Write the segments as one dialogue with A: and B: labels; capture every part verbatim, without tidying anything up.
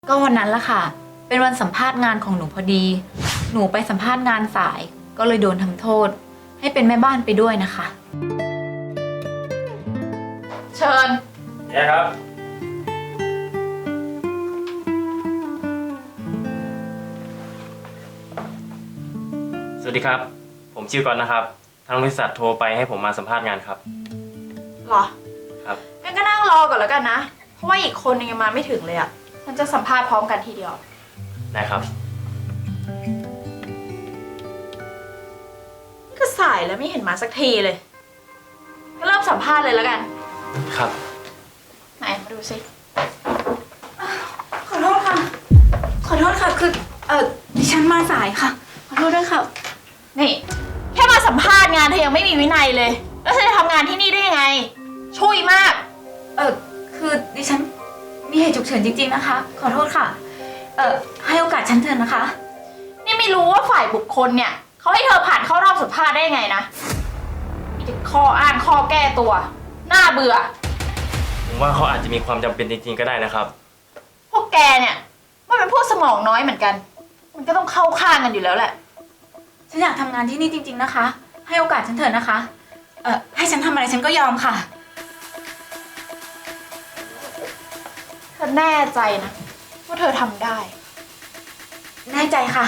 A: ก็วันนั้นละค่ะ เป็นวันสัมภาษณ์งานของหนูพอดี หนูไปสัมภาษณ์งานสาย ก็เลยโดนทำโทษ ให้เป็นแม่บ้านไปด้วยนะคะ เชิญ
B: เนี่ยครับ สวัสดีครับ ผมชื่อก่อนนะครับ ทางบริษัทโทรไปให้ผมมาสัมภาษณ์งานครับ
C: หรอ
B: ครับ
C: งั้นก็นั่งรอก่อนแล้วกันนะ เพราะว่าอีกคนนึงยังมาไม่ถึงเลยอะฉันจะสัมภาษณ์พร้อมกันทีเดียว
B: ได้ครับ
C: นี่ก็สายแล้วไม่เห็นมาสักทีเลย ก็เริ่มสัมภาษณ์เลยแล้วกัน
B: ครับ
C: ไหนมาดูสิ
A: ขอโทษค่ะ ขอโทษค่ะ คือ เออดิฉันมาสายค่ะ ขอโทษด้วยค่ะ
C: นี่ แค่มาสัมภาษณ์งานเธอยังไม่มีวินัยเลย แล้วเธอจะทำงานที่นี่ได้ยังไง ช่วยมาก
A: เออคือดิฉันมีเหตุฉุกเฉินจริงๆนะคะ ขอโทษค่ะ เออให้โอกาสฉันเถอะนะคะ
C: นี่ไม่รู้ว่าฝ่ายบุคคลเนี่ยเขาให้เธอผ่านเข้ารอบสัมภาษณ์ได้ยังไงนะมีแต่ข้ออ้างข้อแก้ตัว น่าเบื่อ
B: ผมว่าเขาอาจจะมีความจำเป็นจริงๆก็ได้นะครับ
C: พวกแกเนี่ยมันเป็นพวกสมองน้อยเหมือนกัน มันก็ต้องเข้าข้างกันอยู่แล้วแหละ
A: ฉันอยากทำงานที่นี่จริงๆนะคะ ให้โอกาสฉันเถอะนะคะ เออให้ฉันทำอะไรฉันก็ยอมค่ะ
C: เธอแน่ใจนะว่าเธอทำได้
A: แน่ใจค่ะ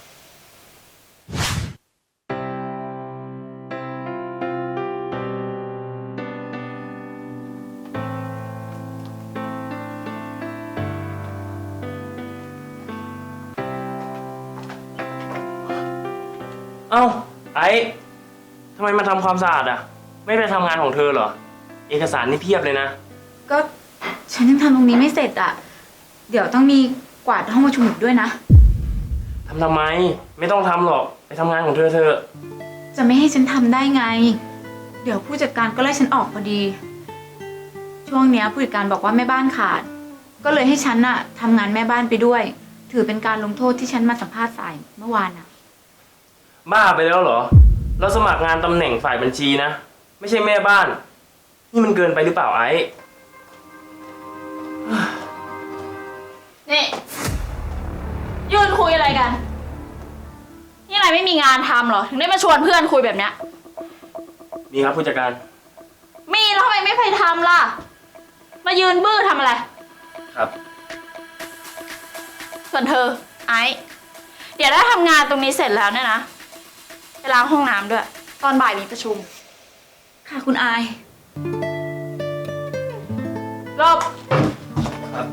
B: เอ้า ไอ้ทำไมมาทำความสะอาดอ่ะ ไม่ไปทำงานของเธอเหรอ เอกสารนี่เพียบเลยนะ
A: ก็ฉันยังทำตรงนี้ไม่เสร็จอ่ะ เดี๋ยวต้องมีกวาดห้องประชุมอีกด้วยนะ
B: ทำทำไม ไม่ต้องทำหรอก ไปทำงานของเธอเธอะ
A: จะไม่ให้ฉันทำได้ไง เดี๋ยวผู้จัดการก็ไล่ฉันออกพอดี ช่วงเนี้ยผู้จัดการบอกว่าแม่บ้านขาด ก็เลยให้ฉันน่ะทำงานแม่บ้านไปด้วย ถือเป็นการลงโทษที่ฉันมาสัมภาษณ์สายเมื่อวานน่ะ
B: บ้าไปแล้วเหรอ เราสมัครงานตำแหน่งฝ่ายบัญชีนะ ไม่ใช่แม่บ้าน นี่มันเกินไปหรือเปล่าไอ้
C: นี่ยืนคุยอะไรกัน นี่นายไม่มีงานทำเหรอ ถึงได้มาชวนเพื่อนคุยแบบเนี้ย
B: มีครับผู้จัดการ
C: มีแล้วทำไมไม่ไปทำล่ะ มายืนบื้อทำอะไร
B: ครับ
C: ส่วนเธอ ไอซ์เดี๋ยวถ้าทำงานตรงนี้เสร็จแล้วเนี่ยนะไปล้างห้องน้ำด้วย ตอนบ่ายมีประชุม
A: ค่ะคุณอาย
C: รอบ
B: ครับ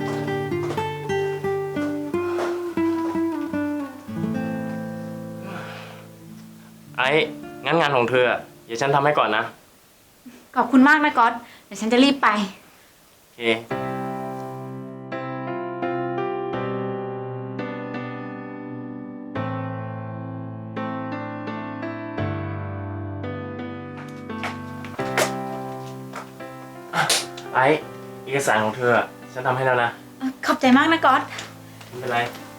B: ไอ้ งั้นงานของเธออะเดี๋ยวฉันทำให้ก่อนนะ
A: ขอบคุณมากนะก๊อต เดี๋ยวฉันจะรีบไป
B: โอเค ไอ้ เอกสารของเธออะฉันทำให้แล้วนะ
A: ขอบใจมากนะก๊อต
B: ไม่เป็นไร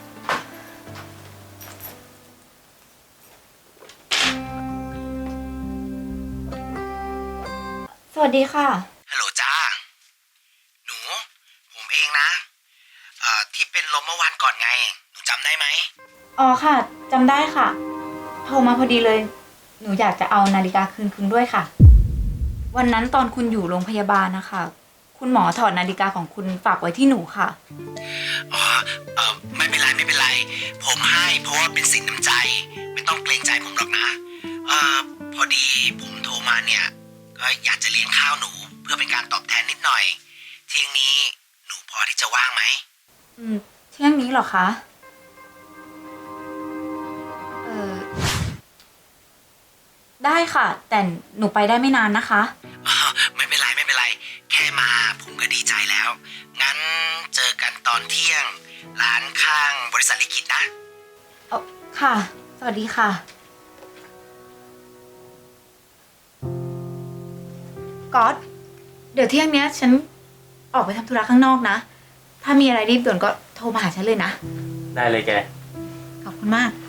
A: สวัสดีค่ะ
D: ฮัลโหลจ้า หนู ผมเองนะ เอ่อ ที่เป็นลมเมื่อวานก่อนไง หนูจำได้ไหม
A: อ๋อค่ะจำได้ค่ะ โทรมาพอดีเลย หนูอยากจะเอานาฬิกาคืนคุณด้วยค่ะ วันนั้นตอนคุณอยู่โรงพยาบาลนะคะ คุณหมอถอดนาฬิกาของคุณฝากไว้ที่หนูค่ะ
D: อ๋อ เอ่อ ไม่เป็นไรไม่เป็นไร ผมให้เพราะว่าเป็นสินน้ำใจ ไม่ต้องเกรงใจผมหรอกนะ เอ่อ พอดีผมโทรมาเนี่ย ก็อยากจะเลี้ยงข้าวหนูเพื่อเป็นการตอบแทนนิดหน่อย เที่ยงนี้หนูพอที่จะว่างไหม
A: อืมเที่ยงนี้เหรอคะ เออได้ค่ะ แต่หนูไปได้ไม่นานนะคะ
D: อ๋อ ไม่เป็นไรไม่เป็นไร แค่มาผมก็ดีใจแล้ว งั้นเจอกันตอนเที่ยง ร้านข้างบริษัทลิขิตนะ
A: เออค่ะ สวัสดีค่ะ ก๊อต เดี๋ยวเที่ยงเนี้ยฉันออกไปทำธุระข้างนอกนะ ถ้ามีอะไรรีบด่วนก็โทรมาหาฉันเลยนะ
B: ได้เลยแก
A: ขอบคุณมาก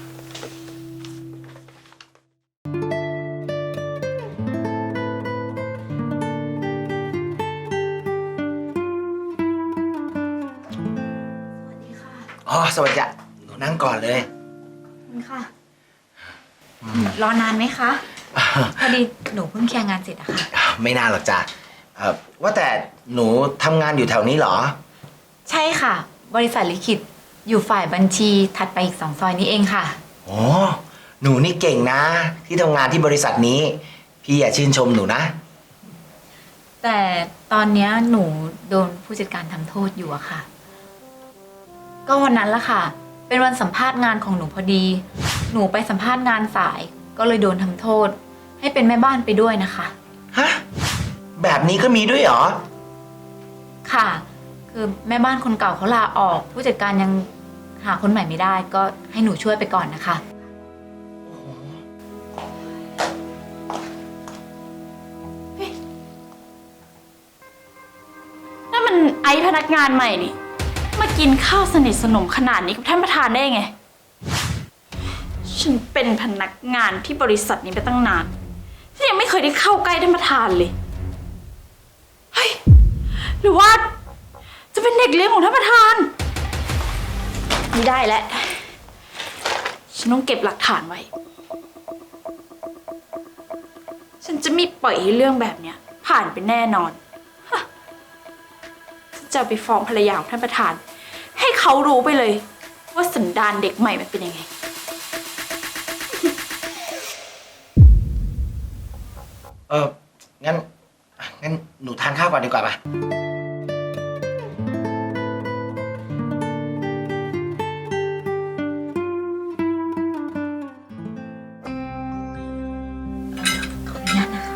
A: สวัสดีค่ะ
D: อ๋อ สวัสดีจ้ะหนูนั่งก่อนเลย
A: คุณค่ะ รอนานไหมคะ พอดีหนูเพิ่งเคลียร์งานเสร็จอะค่ะ
D: ไม่นานหรอกจ้ะเอ่อว่าแต่หนูทำงานอยู่แถวนี้เหรอ
A: ใช่ค่ะ บริษัทลิขิตอยู่ฝ่ายบัญชีถัดไปอีกสองซอยนี้เองค่ะ
D: โอ้หนูนี่เก่งนะ ที่ทำงานที่บริษัทนี้ พี่อยากชื่นชมหนูนะ
A: แต่ตอนเนี้ยหนูโดนผู้จัดการทำโทษอยู่อะค่ะ ก็วันนั้นละค่ะ เป็นวันสัมภาษณ์งานของหนูพอดี หนูไปสัมภาษณ์งานสาย ก็เลยโดนทำโทษ ให้เป็นแม่บ้านไปด้วยนะคะ
D: ฮะ แบบนี้ก็มีด้วยเหรอ
A: ค่ะ คือแม่บ้านคนเก่าเขาลาออก ผู้จัดการยังหาคนใหม่ไม่ได้ ก็ให้หนูช่วยไปก่อนนะคะ
C: นั่นมันไอซ์พนักงานใหม่นี่ มากินข้าวสนิทสนมขนาดนี้กับท่านประธานได้ไง ฉันเป็นพนักงานที่บริษัทนี้ไปตั้งนานฉันยังไม่เคยได้เข้าใกล้ท่านประธานเลย เฮ้ย หรือว่า จะเป็นเด็กเลี้ยงของท่านประธาน ไม่ได้แล้ว ฉันต้องเก็บหลักฐานไว้ ฉันจะไม่ปล่อยให้เรื่องแบบเนี้ย ผ่านไปแน่นอน จะไปฟ้องภรรยาของท่านประธาน ให้เขารู้ไปเลย ว่าสันดานเด็กใหม่มันเป็นยังไง
D: เออ งั้น งั้นหนูทานข้าวก่อนดีกว่าปะ
A: ขออนุญาตนะคะ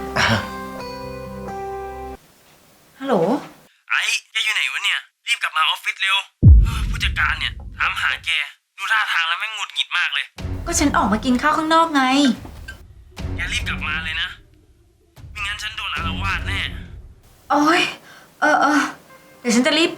A: ฮัลโหล
B: ไอ้แกอยู่ไหนวะเนี่ย รีบกลับมาออฟฟิศเร็ว ผู้จัดการเนี่ยถามหาแก ดูท่าทางแล้วแม่งหงุดหงิดมากเลย
A: ก็ฉันออกมากินข้าวข้างนอกไง
B: แกรีบกลับมาเลยนะ ไม่งั้นฉันโดนอาละวาดแน่
A: โอ้ย เออเออ เดี๋ยวฉันจะรีบไป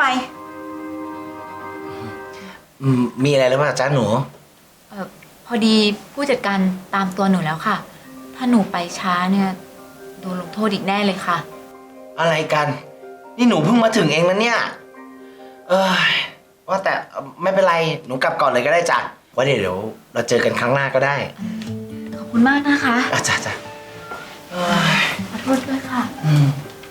D: อืม มีอะไรหรือเปล่าจ๊ะหนู
A: เออพอดีผู้จัดการตามตัวหนูแล้วค่ะ ถ้าหนูไปช้าเนี่ยโดนลงโทษอีกแน่เลยค่ะ
D: อะไรกัน นี่หนูเพิ่งมาถึงเองนะเนี่ย เออว่าแต่ไม่เป็นไร หนูกลับก่อนเลยก็ได้จ้ะว่าเดี๋ยวเราเจอกันครั้งหน้าก็ได้
A: ขอบคุณมากนะคะ
D: อ่ะจ้ะจ้ะเอ้ย
A: ขอโทษด้วยค่ะ
D: อืม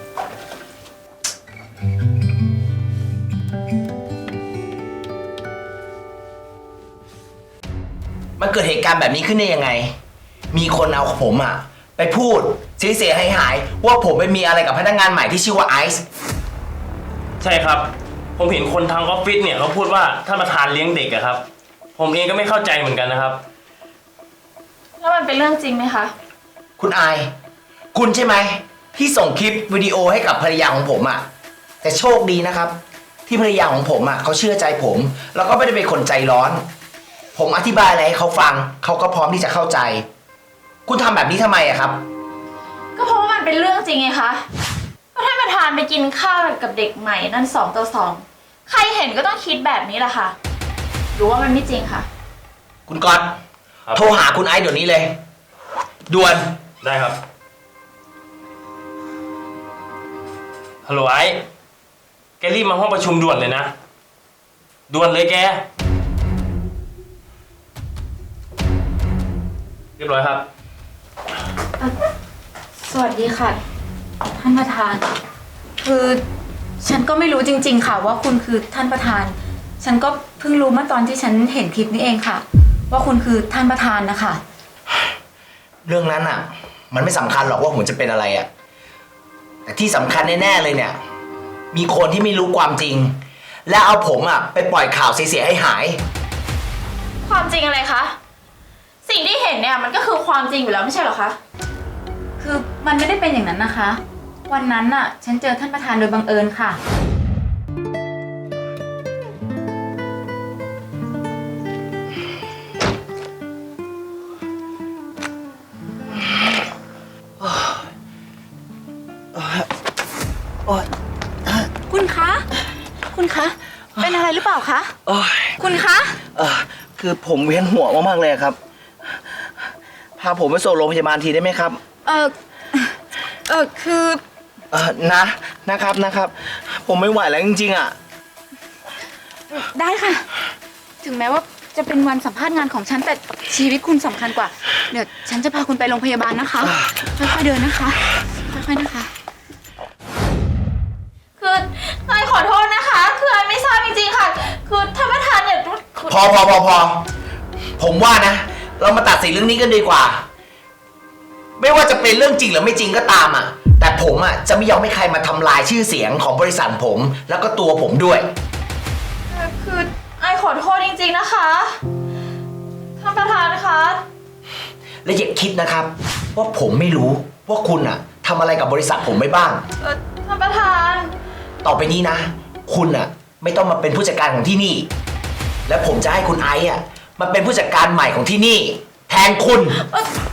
D: มันเกิดเหตุการณ์แบบนี้ขึ้นได้ยังไง มีคนเอาผมอะไปพูดเสียหายหายๆว่าผมไปมีอะไรกับพนักงานใหม่ที่ชื่อว่าไอซ์
B: ใช่ครับ ผมเห็นคนทางออฟฟิศเนี่ยเขาพูดว่าท่านประธานเลี้ยงเด็กอะครับ ผมเองก็ไม่เข้าใจเหมือนกันนะครับ
C: แล้วมันเป็นเรื่องจริงไหมคะ
D: คุณอาย คุณใช่ไหมที่ส่งคลิปวิดีโอให้กับภรรยาของผมอะแต่โชคดีนะครับ ที่ภรรยาของผมอะเขาเชื่อใจผม แล้วก็ไม่ได้เป็นคนใจร้อน ผมอธิบายอะไรให้เขาฟัง เขาก็พร้อมที่จะเข้าใจ คุณทำแบบนี้ทำไมอะครับ
C: ก็เพราะว่ามันเป็นเรื่องจริงไงคะก็ท่านประธานไปกินข้าวกับเด็กใหม่นั่นสองต่อสอง ใครเห็นก็ต้องคิดแบบนี้แหละค่ะ หรือว่ามันไม่จริงคะ
D: คุณก๊อต
B: ครับ
D: โทรหาคุณไอซ์เดี๋ยวนี้เลยด่วน
B: ได้ครับ ฮัลโหลไอ้ แกรีบมาห้องประชุมด่วนเลยนะ ด่วนเลยแก เรียบร้อยครับ
A: สวัสดีค่ะ ท่านประธาน คือฉันก็ไม่รู้จริง ๆ ค่ะ ว่าคุณคือท่านประธาน ฉันก็เพิ่งรู้เมื่อตอนที่ฉันเห็นคลิปนี้เองค่ะ ว่าคุณคือท่านประธานนะคะ
D: เรื่องนั้นอะมันไม่สำคัญหรอกว่าผมจะเป็นอะไรอะแต่ที่สำคัญแน่ๆเลยเนี่ย มีคนที่ไม่รู้ความจริง และเอาผมอะไปปล่อยข่าวเสียๆให้หาย
C: ความจริงอะไรคะ สิ่งที่เห็นเนี่ยมันก็คือความจริงอยู่แล้วไม่ใช่เหรอคะ
A: คือมันไม่ได้เป็นอย่างนั้นนะคะ วันนั้นน่ะ ฉันเจอท่านประธานโดยบังเอิญค่ะ คุณคะ คุณคะ เป็นอะไรหรือเปล่าคะ
D: โอ้ย
A: คุณคะ
D: เออคือผมเวียนหัวมากๆเลยครับ พาผมไปส่งโรงพยาบาลทีได้ไหมครับ
A: เออเออคือ
D: เออนะนะครับนะครับ ผมไม่ไหวแล้วจริงๆอ่ะ
A: ได้ค่ะถึงแม้ว่าจะเป็นวันสัมภาษณ์งานของฉันแต่ชีวิตคุณสำคัญกว่า เดี๋ยวฉันจะพาคุณไปโรงพยาบาลนะคะ ค่อยๆเดินนะคะ ค่อยๆนะคะ
C: คือไอขอโทษนะคะ คือไอไม่ทราบจริงๆค่ะ คือท่านประธานเนี่ยคือ
D: พอพอพอพอผมว่านะ เรามาตัดสินเรื่องนี้กันดีกว่า ไม่ว่าจะเป็นเรื่องจริงหรือไม่จริงก็ตามอ่ะ แต่ผมอ่ะจะไม่ยอมให้ใครมาทำลายชื่อเสียงของบริษัทผม แล้วก็ตัวผมด้วย
C: คือไอขอโทษจริงๆนะคะท่านประธานคะ
D: และอย่าคิดนะครับ ว่าผมไม่รู้ว่าคุณอ่ะทำอะไรกับบริษัทผมไม่บ้าง
C: เอ่อท่านประธาน
D: ต่อไปนี้นะ คุณอ่ะ ไม่ต้องมาเป็นผู้จัดการของที่นี่ และผมจะให้คุณไอซ์อ่ะมาเป็นผู้จัดการใหม่ของที่นี่ แทนคุณ
C: เอ่อ